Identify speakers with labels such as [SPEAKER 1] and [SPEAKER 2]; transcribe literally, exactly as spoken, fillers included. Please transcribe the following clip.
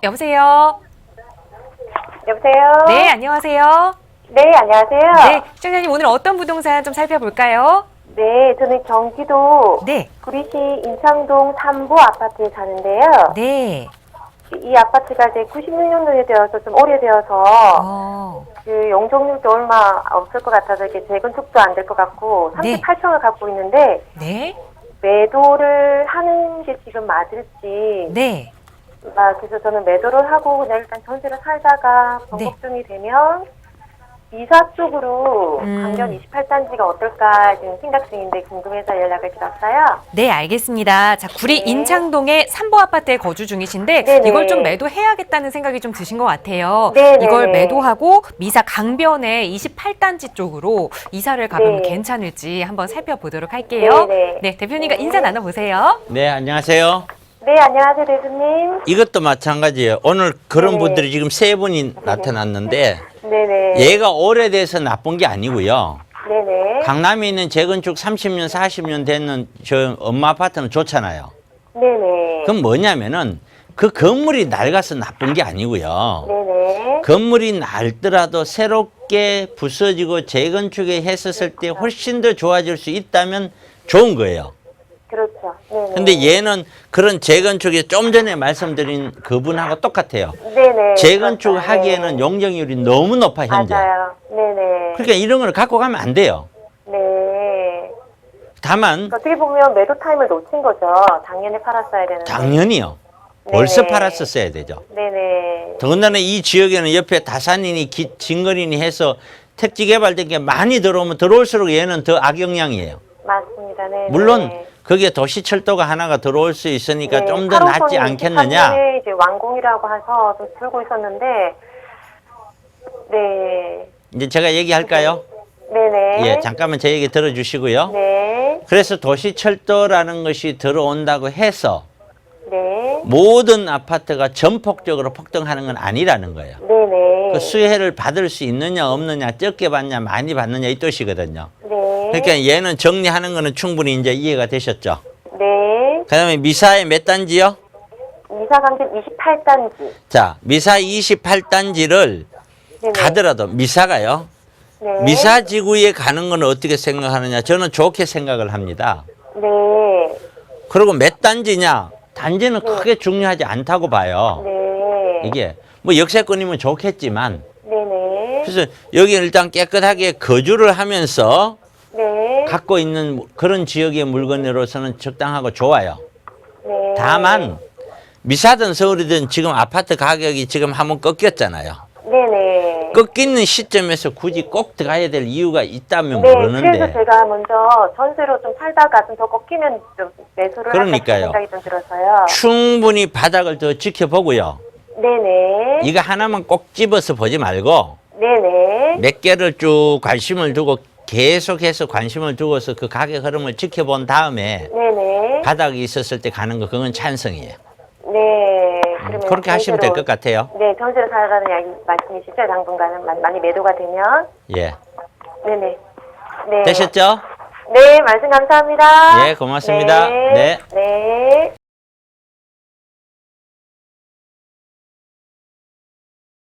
[SPEAKER 1] 여보세요?
[SPEAKER 2] 여보세요?
[SPEAKER 1] 네, 안녕하세요.
[SPEAKER 2] 네, 안녕하세요.
[SPEAKER 1] 네, 시청자님 오늘 어떤 부동산 좀 살펴볼까요?
[SPEAKER 2] 네, 저는 경기도
[SPEAKER 1] 네.
[SPEAKER 2] 구리시 인창동 삼 부 아파트에 사는데요.
[SPEAKER 1] 네.
[SPEAKER 2] 이 아파트가 이제 구십육 년도에 되어서 좀 오래되어서
[SPEAKER 1] 어.
[SPEAKER 2] 그 용적률도 얼마 없을 것 같아서 이렇게 재건축도 안 될 것 같고
[SPEAKER 1] 네.
[SPEAKER 2] 삼십팔 평을 갖고 있는데
[SPEAKER 1] 네.
[SPEAKER 2] 매도를 하는 게 지금 맞을지
[SPEAKER 1] 네.
[SPEAKER 2] 아, 그래서 저는 매도를 하고 그냥 일단 전세를 살다가 번복중이 되면 이사 쪽으로
[SPEAKER 1] 음.
[SPEAKER 2] 강변 이십팔 단지가 어떨까 지금 생각 중인데 궁금해서 연락을 드렸어요.
[SPEAKER 1] 네, 알겠습니다. 자, 구리
[SPEAKER 2] 네.
[SPEAKER 1] 인창동의 삼 부 아파트에 거주 중이신데
[SPEAKER 2] 네네.
[SPEAKER 1] 이걸 좀 매도해야겠다는 생각이 좀 드신 것 같아요.
[SPEAKER 2] 네네네.
[SPEAKER 1] 이걸 매도하고 미사 강변의 이십팔 단지 쪽으로 이사를 가면
[SPEAKER 2] 네.
[SPEAKER 1] 괜찮을지 한번 살펴보도록 할게요.
[SPEAKER 2] 네네.
[SPEAKER 1] 네, 대표님과
[SPEAKER 2] 네.
[SPEAKER 1] 인사 나눠보세요.
[SPEAKER 3] 네, 안녕하세요.
[SPEAKER 2] 네, 안녕하세요, 대표님.
[SPEAKER 3] 이것도 마찬가지예요. 오늘 그런
[SPEAKER 2] 네.
[SPEAKER 3] 분들이 지금 세 분이 나타났는데
[SPEAKER 2] 네네.
[SPEAKER 3] 얘가 오래돼서 나쁜 게 아니고요.
[SPEAKER 2] 네네.
[SPEAKER 3] 강남에 있는 재건축 삼십 년, 사십 년 되는 저 엄마 아파트는 좋잖아요.
[SPEAKER 2] 네네.
[SPEAKER 3] 그럼 뭐냐면은 그 건물이 낡아서 나쁜 게 아니고요.
[SPEAKER 2] 네네.
[SPEAKER 3] 건물이 낡더라도 새롭게 부서지고 재건축에 했었을 때 훨씬 더 좋아질 수 있다면 좋은 거예요.
[SPEAKER 2] 그렇죠. 네네.
[SPEAKER 3] 근데 얘는 그런 재건축에 좀 전에 말씀드린 그분하고 똑같아요.
[SPEAKER 2] 네네.
[SPEAKER 3] 재건축
[SPEAKER 2] 그렇죠.
[SPEAKER 3] 하기에는
[SPEAKER 2] 네.
[SPEAKER 3] 용적률이 너무 높아, 현재.
[SPEAKER 2] 맞아요. 네네.
[SPEAKER 3] 그러니까 이런 걸 갖고 가면 안 돼요.
[SPEAKER 2] 네.
[SPEAKER 3] 다만,
[SPEAKER 2] 어떻게 보면 매도 타임을 놓친 거죠. 작년에 팔았어야 되는데.
[SPEAKER 3] 당연히요. 벌써
[SPEAKER 2] 네네.
[SPEAKER 3] 팔았었어야 되죠.
[SPEAKER 2] 네네.
[SPEAKER 3] 더군다나 이 지역에는 옆에 다산이니 기- 진거리니 해서 택지 개발된 게 많이 들어오면 들어올수록 얘는 더 악영향이에요.
[SPEAKER 2] 맞습니다. 네.
[SPEAKER 3] 물론 거기에 도시철도가 하나가 들어올 수 있으니까
[SPEAKER 2] 네,
[SPEAKER 3] 좀 더 낫지 않겠느냐.
[SPEAKER 2] 팔 호선이 이제 완공이라고 해서 좀 들고 있었는데, 네.
[SPEAKER 3] 이제 제가 얘기할까요?
[SPEAKER 2] 네네.
[SPEAKER 3] 예, 잠깐만 제 얘기 들어주시고요.
[SPEAKER 2] 네.
[SPEAKER 3] 그래서 도시철도라는 것이 들어온다고 해서
[SPEAKER 2] 네.
[SPEAKER 3] 모든 아파트가 전폭적으로 폭등하는 건 아니라는 거예요.
[SPEAKER 2] 네네.
[SPEAKER 3] 그 수혜를 받을 수 있느냐 없느냐, 적게 받냐 많이 받느냐 이 뜻이거든요.
[SPEAKER 2] 네.
[SPEAKER 3] 그러니까 얘는 정리하는 거는 충분히 이제 이해가 되셨죠.
[SPEAKER 2] 네.
[SPEAKER 3] 그다음에 미사의 몇 단지요?
[SPEAKER 2] 이사 강변 이십팔 단지.
[SPEAKER 3] 자, 미사 이십팔 단지를
[SPEAKER 2] 네네.
[SPEAKER 3] 가더라도 미사가요.
[SPEAKER 2] 네.
[SPEAKER 3] 미사 지구에 가는 건 어떻게 생각하느냐? 저는 좋게 생각을 합니다.
[SPEAKER 2] 네.
[SPEAKER 3] 그리고 몇 단지냐? 단지는 크게 중요하지 않다고 봐요.
[SPEAKER 2] 네.
[SPEAKER 3] 이게 뭐 역세권이면 좋겠지만,
[SPEAKER 2] 네네.
[SPEAKER 3] 그래서 여기 일단 깨끗하게 거주를 하면서
[SPEAKER 2] 네.
[SPEAKER 3] 갖고 있는 그런 지역의 물건으로서는 적당하고 좋아요.
[SPEAKER 2] 네.
[SPEAKER 3] 다만 미사든 서울이든 지금 아파트 가격이 지금 한번 꺾였잖아요.
[SPEAKER 2] 네네.
[SPEAKER 3] 꺾이는 시점에서 굳이 꼭 들어가야 될 이유가 있다면
[SPEAKER 2] 네,
[SPEAKER 3] 모르는데.
[SPEAKER 2] 그래서 제가 먼저 전세로 좀 살다가 좀 더 꺾이면 좀 매수를
[SPEAKER 3] 그러니까요.
[SPEAKER 2] 할까 생각이 좀 들어서요.
[SPEAKER 3] 충분히 바닥을 더 지켜보고요.
[SPEAKER 2] 네네.
[SPEAKER 3] 이거 하나만 꼭 집어서 보지 말고
[SPEAKER 2] 네네.
[SPEAKER 3] 몇 개를 쭉 관심을 두고 계속해서 관심을 두고서 그 가격 흐름을 지켜본 다음에
[SPEAKER 2] 네네.
[SPEAKER 3] 바닥이 있었을 때 가는 거 그건 찬성이에요.
[SPEAKER 2] 네. 그러면
[SPEAKER 3] 그렇게 하시면 될 것 같아요.
[SPEAKER 2] 네, 전세로 살라는 이야기 말씀이시죠? 당분간은 많이, 많이 매도가 되면.
[SPEAKER 3] 예.
[SPEAKER 2] 네네. 네.
[SPEAKER 3] 되셨죠?
[SPEAKER 2] 네, 말씀 감사합니다.
[SPEAKER 3] 예, 고맙습니다.
[SPEAKER 2] 네.
[SPEAKER 3] 네.
[SPEAKER 2] 네.